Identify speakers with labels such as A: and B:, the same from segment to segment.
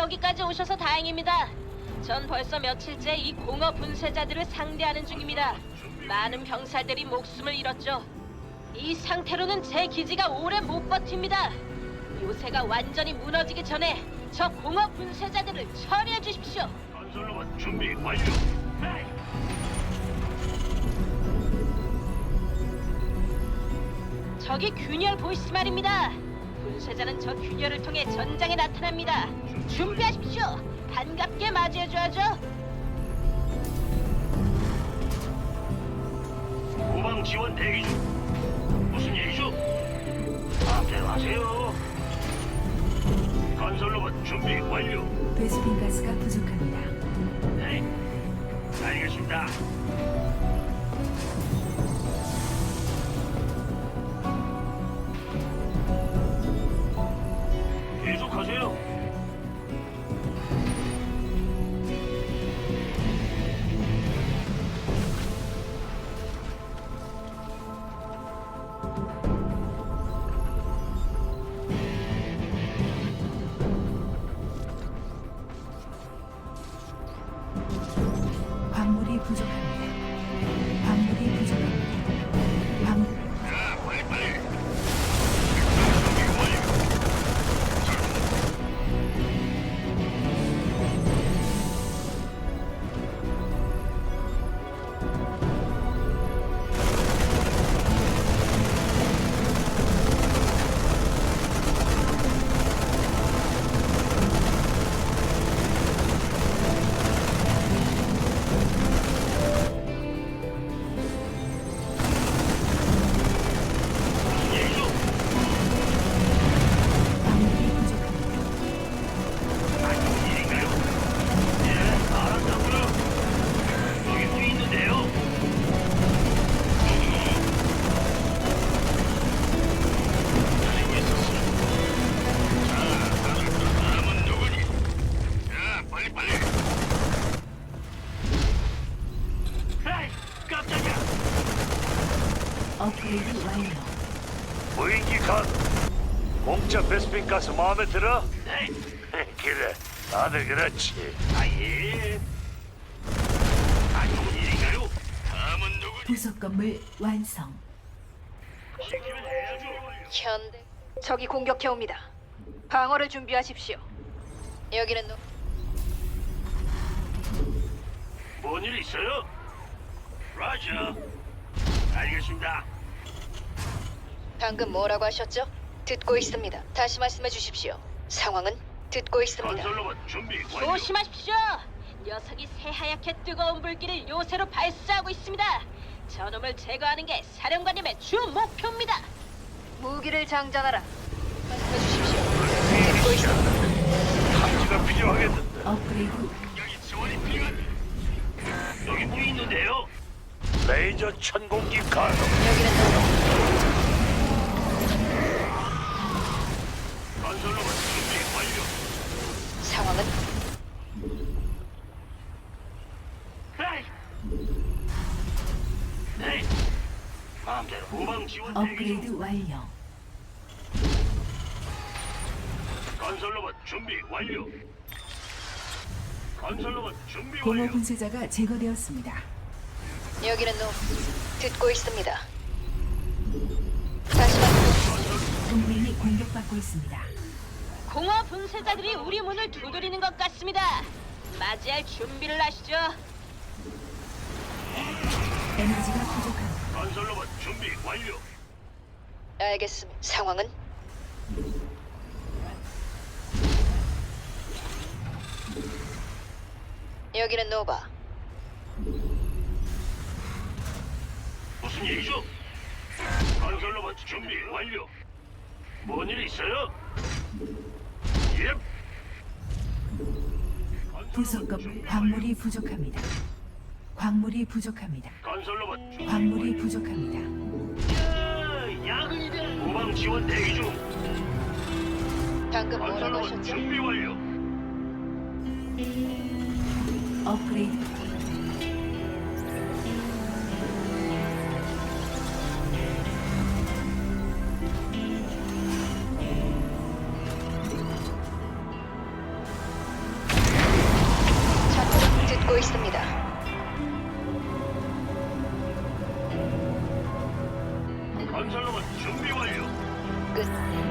A: 여기까지 오셔서 다행입니다. 전 벌써 며칠째 이 공허 분쇄자들을 상대하는 중입니다. 많은 병사들이 목숨을 잃었죠. 이 상태로는 제 기지가 오래 못 버팁니다. 요새가 완전히 무너지기 전에 저 공허 분쇄자들을 처리해 주십시오.
B: 건설로봇 준비 완료. 네.
A: 저기 균열 보이스 말입니다. 분쇄자는 저 균열을 통해 전장에 나타납니다. 준비하십시오. 반갑게 맞이해줘야죠.
B: 후방 지원 대기 중. 무슨 얘기죠? 마음대로 하세요. 건설로봇 준비 완료.
C: 베스핀 가스가 부족합니다.
B: 네. 알겠습니다. 계속하세요.
C: 광물이 부족합니다. 광물이 부족합니다. 광물
B: 자, 빨리. 무슨 얘기죠?
C: 광물이 부족합니다.
B: 안 좋은 일인가요? 예, 알았다고요. 여기 뭐 있는데요? 기다리고 있었어. 자, 다음은 누구니? 자, 빨리. 에이, 깜짝이야.
C: 업그레이드 완료.
B: 무인기 간. 공짜 베스핀 가스 마음에 들어? 네. 그래, 다들 그렇지. 예. 안 좋은 일인가요? 다음은 누구니?
C: 부속 건물 완성.
B: 시키면 해야죠.
A: 현대 적이 공격해 옵니다. 방어를 준비하십시오. 여기는
B: 뭔 일 있어요? 라자. 알겠습니다.
D: 방금 뭐라고 하셨죠? 듣고 있습니다. 다시 말씀해 주십시오. 상황은 듣고 있습니다.
B: 건설로봇 준비 완료.
A: 조심하십시오. 녀석이 새하얗게 뜨거운 불길을 요새로 발사하고 있습니다. 저놈을 제거하는 게 사령관님의 주 목표입니다.
D: 무기를 장전하라. 말씀해 주십시오. 듣고 있습니다.
B: 감지가 필요하겠는데.
C: 업그레이드
B: 여기 지원이 필요한. 여기 뭐 있는데요? 레이저 천공기 가동.
D: 여기는 노바.
B: 건설로봇 준비 완료.
D: 상황은
B: 에이. 네. 마음대로 후방 지원 대기
C: 업그레이드
B: 중.
C: 완료.
B: 건설로봇 준비 완료. 건설로봇 준비
C: 공허
B: 완료.
C: 분쇄자가 제거되었습니다.
D: 여기는 노. 듣고 있습니다. 다시 말씀.
C: 동맹이 공격받고 있습니다.
A: 공허 분쇄자들이 우리 문을 두드리는 것 같습니다. 맞이할 준비를 하시죠.
C: 에너지가 부족합니다.
B: 건설로봇 준비 완료.
D: 알겠습니다. 상황은 여기는 노바.
B: 무슨 일이죠? 건설로봇 준비 완료. 뭔 일 있어요? 예.
C: 부속 건물 광물이 부족합니다. 광물이 부족합니다.
B: 건설로봇 준비
C: 광물이
B: 완료.
C: 부족합니다.
B: 야근이다. 후방 지원 대기 중.
D: 방금 뭐라고
B: 건설로봇
D: 하셨죠?
B: 준비 완료.
C: 업그레이드
B: 건설로봇 준비 완료.
D: 끝.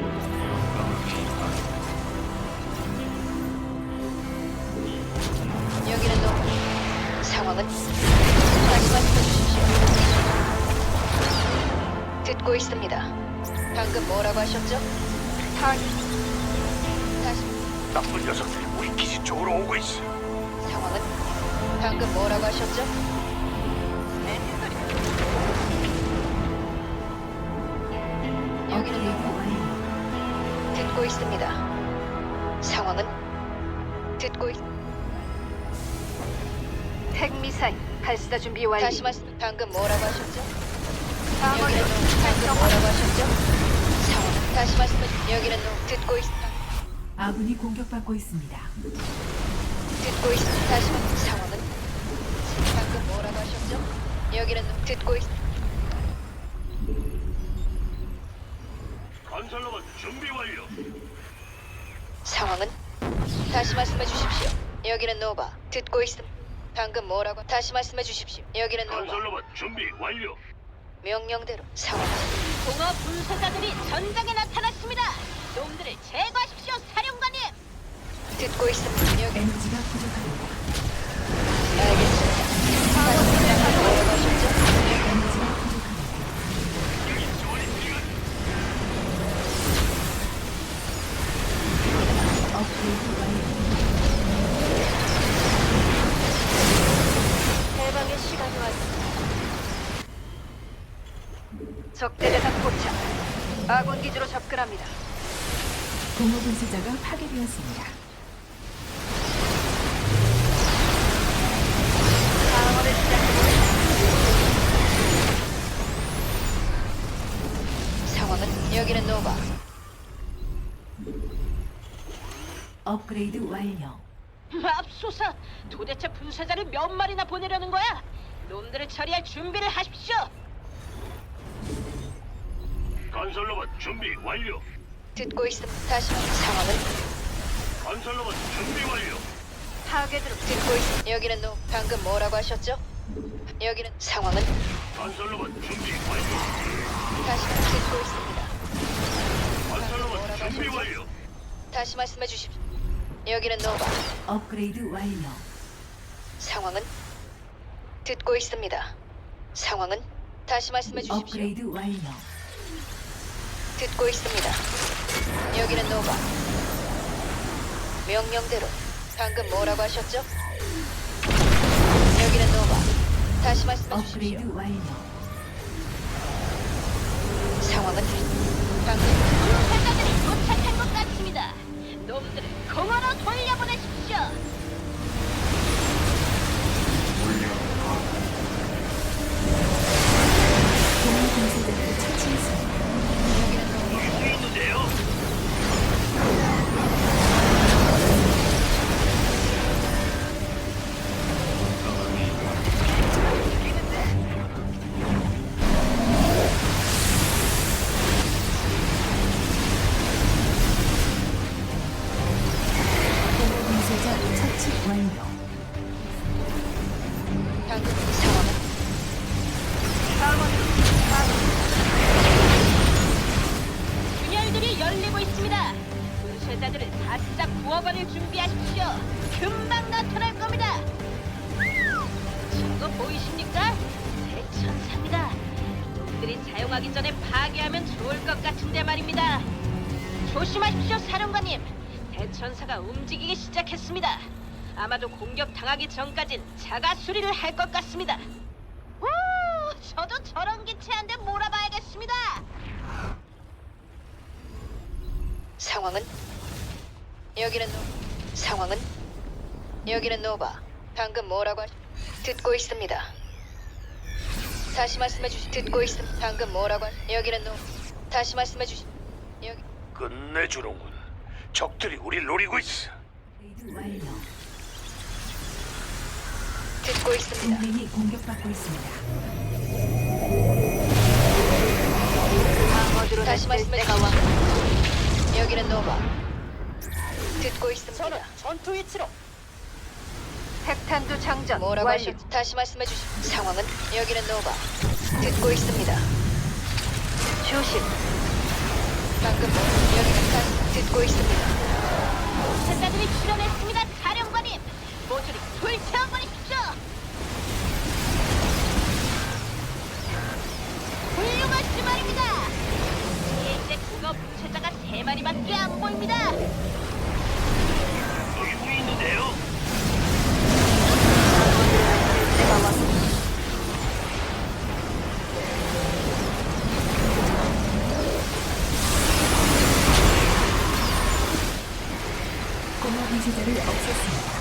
D: 여기는 노바. 상황은 다시 말씀해 주십시오. 듣고 있습니다. 방금 뭐라고 하셨죠? 다시
B: 나쁜 녀석들이 우리 기지 쪽으로 오고 있어.
D: 상황은 방금 뭐라고 하셨죠? 여기는
C: 업그레이드
D: 노바.
C: 완료.
D: 듣고 있습니다. 상황은 듣고 있.
E: 핵미사일 발사 준비 완료.
D: 다시 말씀. 방금 뭐라고 하셨죠? 여기는 노. 방금 뭐라고 하셨죠? 상황은 다시 말씀해. 여기는 노. 듣고 있.
C: 아군이 공격받고 있습니다.
D: 듣고 있. 다시 말씀. 상황은 방금 뭐라고 하셨죠? 여기는 노. 듣고 있.
B: 건설로봇 준비 완료.
D: 상황은 다시 말씀해 주십시오. 여기는 노바. 듣고 있음. 방금 뭐라고? 다시 말씀해 주십시오. 여기는 노바.
B: 건설로봇 준비 완료.
D: 명령대로 상황은
A: 공허 분쇄자들이 전장에 나타났습니다. 놈들을 제거하십시오, 사령관님.
D: 듣고 있습니다. 여기
C: 에너지가 부족합니다.
D: 알겠습니다. 다시 방금 뭐라고 하셨죠?
C: 에너지가 부족합니다.
B: 여기 지원이 필요한.
C: 업그레이드 완료.
E: 해방의 시간이 왔습니다. 적대 대상 포착. 아군 기지로 접근합니다.
C: 공허 분쇄자가 파괴되었습니다.
E: 방어를 시작해보겠습니다.
D: 상황은 여기는 노바.
C: 업그레이드 완료.
A: 맙소사, 도대체 분쇄자를 몇 마리나 보내려는 거야? 놈들을 처리할 준비를 하십시오.
B: 건설로봇 준비 완료.
D: 듣고 있습니다. 다시 상황은
B: 건설로봇 준비 완료.
E: 타겟으로
D: 듣고 있습니다. 여기는 노. 방금 뭐라고 하셨죠? 여기는 상황은
B: 건설로봇 준비 완료.
D: 다시 듣고 있습니다.
B: 건설로봇 준비 완료.
D: 다시 말씀해 주십시오. 여기는 노바.
C: 업그레이드 완료.
D: 상황은 듣고 있습니다. 상황은 다시 말씀해 주십시오.
C: 업그레이드 완료.
D: 듣고 있습니다. 여기는 노바. 명령대로. 방금 뭐라고 하셨죠? 여기는 노바. 다시 말씀해 주십시오.
C: 업그레이드 완료.
D: 상황은 방금
A: 분쇄자들이 도착한 것 같습니다. 놈들을 공허로 돌려보내십시오.
C: 공허 분쇄자를 처치했습니다.
B: 여기 뭐 있는데요?
C: 공허 분쇄자 처치 완료.
D: 방금 상황은
A: 균열들이 열리고 있습니다. 분쇄자들을 바짝 구워버릴 준비하십시오. 금방 나타날 겁니다. 저거 보이십니까? 대천사입니다. 놈들이 사용하기 전에 파괴하면 좋을 것 같은데 말입니다. 조심하십시오, 사령관님. 대천사가 움직이기 시작했습니다. 아마도 공격 당하기 전까진 자가 수리를 할 것 같습니다. 오, 저도 저런 기체 한 대 몰아봐야겠습니다.
D: 상황은 여기는 노. 상황은 여기는 노바. 방금 뭐라고 듣고 있습니다. 다시 말씀해 주시. 듣고 있음. 방금 뭐라고 여기는 노. 다시 말씀해 주시. 여기
B: 끝내주는군. 적들이 우릴 노리고 있어.
C: 업그레이드 완료.
D: 듣고 있습니다.
C: 동맹이 공격받고 있습니다.
E: 방어드로
D: 다시 말씀해 주시. 여기는 노바. 듣고 있습니다.
A: 전투 위치로.
E: 핵탄두 장전
D: 뭐라고
E: 완료.
D: 하셨? 다시 말씀해 주시. 상황은 여기는 노바. 듣고 있습니다.
E: 조심.
D: 방금 뭐 여기는 가스 듣고 있습니다.
A: 분쇄자들이 출현했습니다, 사령관님. 모조리 불태워버리십시오. 훌륭하시 말입니다. 이제 그거 분쇄자가 3마리밖에 안 보입니다.
B: 여기 뭐 있는데요?
E: 내가 왔어.
C: 공허 분쇄자를 없앴습니다.